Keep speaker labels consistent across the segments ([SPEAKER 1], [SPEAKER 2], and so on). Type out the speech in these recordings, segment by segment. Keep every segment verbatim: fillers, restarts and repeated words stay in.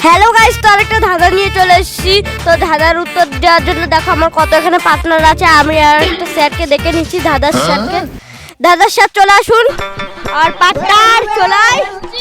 [SPEAKER 1] Hello guys, তো আরেকটা ধাঁধা নিয়ে চলে এসেছি। তো ধাঁধার উত্তর দেওয়ার জন্য দেখো আমার কত এখানে পার্টনার আছে। আমি আর একটা স্যারকে ডেকে নিচ্ছি, ধাঁধার স্যারকে। ধাঁধার স্যার চলে আসুন, আর পার্টনার চলাই।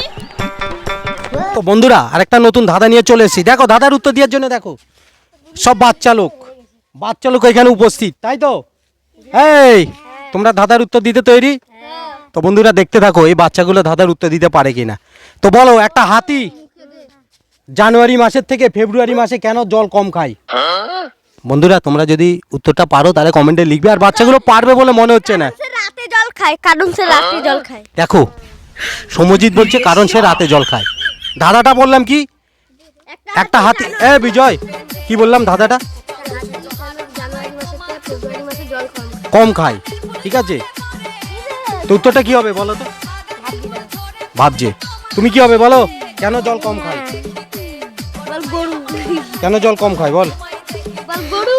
[SPEAKER 2] তো বন্ধুরা আরেকটা নতুন ধাঁধা নিয়ে চলে এসেছি। দেখো ধাঁধার উত্তর দেওয়ার জন্য দেখো সব বাচ্চা লোক বাচ্চা লোক এখানে উপস্থিত, তাই তো? এই তোমরা ধাঁধার উত্তর দিতে তৈরি? তো বন্ধুরা দেখতে থাকো এই বাচ্চাগুলো ধাঁধার উত্তর দিতে পারে কিনা। তো বলো, একটা হাতি জানুয়ারি মাসের থেকে ফেব্রুয়ারি মাসে কেন জল কম খায়? বন্ধুরা তোমরা যদি উত্তরটা পারো তাহলে কমেন্টে লিখবে, আর বাচ্চাগুলো পারবে বলে মনে হচ্ছে না।
[SPEAKER 1] সে রাতে জল খায়, কারণ সে রাতে জল খায়।
[SPEAKER 2] দেখো সমজিৎ বলছে কারণ সে রাতে জল খায়। ধাঁধাটা বললাম কি? একটা হাতি। এ বিজয়, কি বললাম ধাঁধাটা? কম খায়, ঠিক আছে। তো উত্তরটা কি হবে বলো তো? ভাবছে। তুমি কি হবে বলো? কেন জল কম খায়?
[SPEAKER 1] গরু।
[SPEAKER 2] কেন জল কম খায় বল?
[SPEAKER 1] গরু।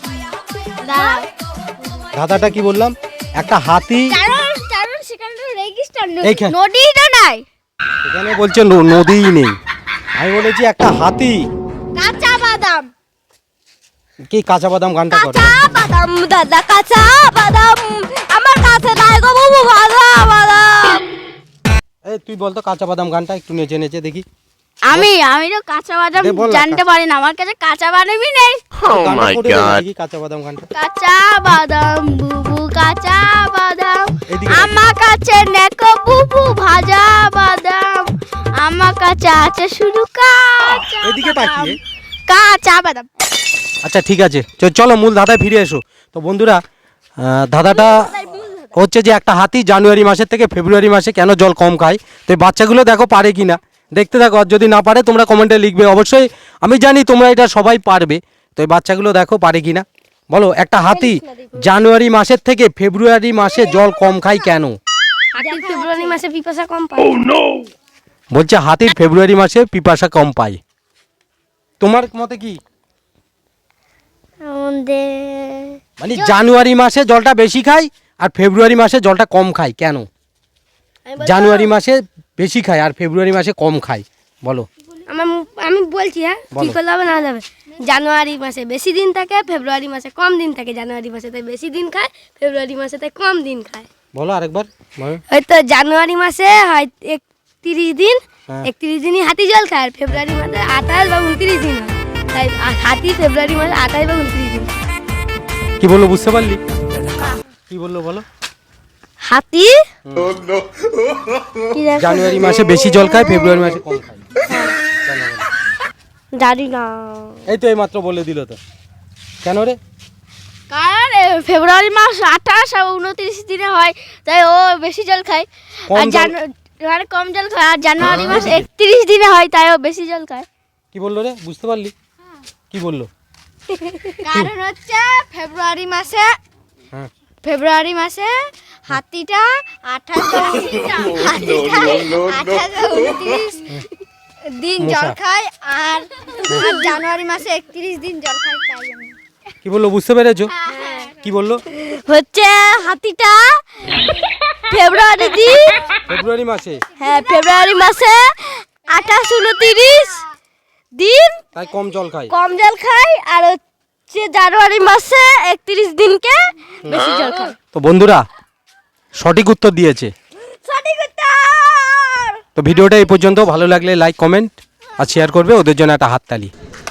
[SPEAKER 2] ধাঁধাটা কি বললাম? একটা হাতি।
[SPEAKER 1] কারণ কারণ সেখানে রেগিস্টার
[SPEAKER 2] এইখানে।
[SPEAKER 1] নদী তো নাই।
[SPEAKER 2] এখানে বলছে নদীই নেই। আমি বলেছি একটা হাতি।
[SPEAKER 1] কাঁচা বাদাম।
[SPEAKER 2] কি কাঁচা বাদাম গানটা করে?
[SPEAKER 1] কাঁচা বাদাম দাদা, কাঁচা বাদাম আমার কাছে নাই গো বাবু, ভাজা বাদাম।
[SPEAKER 2] এই তুই বল তো কাঁচা বাদাম গানটা একটু নেচে নেচে দেখি।
[SPEAKER 1] আমি আমি তো কাঁচা বাদাম
[SPEAKER 2] দে বল না,
[SPEAKER 1] জানতে পারি না, আমার কাছে কাঁচা বাদামই নেই।
[SPEAKER 2] গানটা করে দে দেখি, কাঁচা বাদাম গানটা।
[SPEAKER 1] কাঁচা বাদাম বুবু, কাঁচা বাদাম
[SPEAKER 2] এদিকে।
[SPEAKER 1] আমার কাছে নেকো বুবু, ভাজা বাদাম আমার কাছে আছে শুধু কাঁচা
[SPEAKER 2] এদিকে
[SPEAKER 1] বাদাম।
[SPEAKER 2] তাকিয়ে।
[SPEAKER 1] কাঁচা বাদাম।
[SPEAKER 2] আচ্ছা ঠিক আছে, চ- চলো মূল ধাঁধায় ফিরে এসো। তো বন্ধুরা আহ, ধাঁধাটা হচ্ছে যে একটা হাতি জানুয়ারি মাসের থেকে ফেব্রুয়ারি মাসে কেন জল কম খায়। তো এই বাচ্চাগুলো দেখো পারে কি না, দেখতে থাকো। আর যদি না পারে তোমরা কমেন্টে লিখবে অবশ্যই। আমি জানি তোমরা এটা সবাই পারবে। তো এই বাচ্চাগুলো দেখো পারে কি না। বলো, একটা হাতি জানুয়ারি মাসের থেকে ফেব্রুয়ারি মাসে জল কম খায় কেন?
[SPEAKER 1] হাতি ফেব্রুয়ারি মাসে পিপাসা কম পায়।
[SPEAKER 2] বলছে হাতির ফেব্রুয়ারি মাসে পিপাসা কম পায়। তোমার মতে কি? মানে জানুয়ারি মাসে জলটা বেশি খায় আর ফেব্রুয়ারি মাসে জলটা কম খায় কেন? জানুয়ারি মাসে বেশি খায় আর ফেব্রুয়ারি মাসে কম খায়, বলো।
[SPEAKER 1] আমার আমি বলছি, হ্যাঁ কি
[SPEAKER 2] বলো।
[SPEAKER 1] করলে হবে না যাবে। জানুয়ারি মাসে বেশি দিন থাকে, ফেব্রুয়ারি মাসে কম দিন থাকে। জানুয়ারি মাসে তাই বেশি দিন খায়, ফেব্রুয়ারি মাসে তাই কম দিন খায়।
[SPEAKER 2] বলো আরেকবার বলো।
[SPEAKER 1] হয়তো জানুয়ারি মাসে হয় একত্রিশ দিন,
[SPEAKER 2] হ্যাঁ।
[SPEAKER 1] একত্রিশ দিনই হাতি জল খায়। আর ফেব্রুয়ারি মাসে আঠাশ বা উনত্রিশ দিন হয়, তাই আ- হাতি ফেব্রুয়ারি মাসে আঠাশ বা উনত্রিশ দিন।
[SPEAKER 2] কি বললো বুঝতে পারলি? কি বললো বলো?
[SPEAKER 1] হাতি কি দেখো?
[SPEAKER 2] জানুয়ারি মাসে বেশি জল খায়, ফেব্রুয়ারি মাসে কম খায়।
[SPEAKER 1] জানি না,
[SPEAKER 2] এই তো এই মাত্র বলে দিল তো। কেন রে?
[SPEAKER 1] কারণ এ, ফেব্রুয়ারি মাস আঠাশ আর উনত্রিশ দিনে হয়, তাই ও বেশি জল খায়।
[SPEAKER 2] কম
[SPEAKER 1] আর
[SPEAKER 2] জল-
[SPEAKER 1] জানু- মানে কম জল খায়। আর জানুয়ারি মাস একত্রিশ দিনে হয়, তাই ও বেশি জল খায়।
[SPEAKER 2] কি বললো রে? বুঝতে পারলি? কি বললো?
[SPEAKER 1] কারণ হচ্ছে ফেব্রুয়ারি মাসে
[SPEAKER 2] হ্যাঁ।
[SPEAKER 1] ফেব্রুয়ারি মাসে হাতিটা আঠাশ হাতিটা আঠাশ উনত্রিশ দিন জল
[SPEAKER 2] মশা।
[SPEAKER 1] খায়, আর আর জানুয়ারি মাসে একত্রিশ দিন জল খায়, তাই জন্য।
[SPEAKER 2] কি বললো বুঝতে পেরেছো? কি বললো?
[SPEAKER 1] হচ্ছে হাতিটা ফেব্রুয়ারি দিন,
[SPEAKER 2] ফেব্রুয়ারি মাসে
[SPEAKER 1] হ্যাঁ ফেব্রুয়ারি মাসে আঠাশ উনত্রিশ দিন
[SPEAKER 2] তাই কম জল খায়।
[SPEAKER 1] কম জল খায়, আর হচ্ছে জানুয়ারি মাসে একত্রিশ দিনকে বেশি জল খায়।
[SPEAKER 2] তো বন্ধুরা সঠিক উত্তর দিয়েছে।
[SPEAKER 1] সঠিক উত্তর।
[SPEAKER 2] তো ভিডিওটা এই পর্যন্ত। ভালো লাগলে লাইক কমেন্ট আর শেয়ার করবে। ওদের জন্য একটা হাততালি।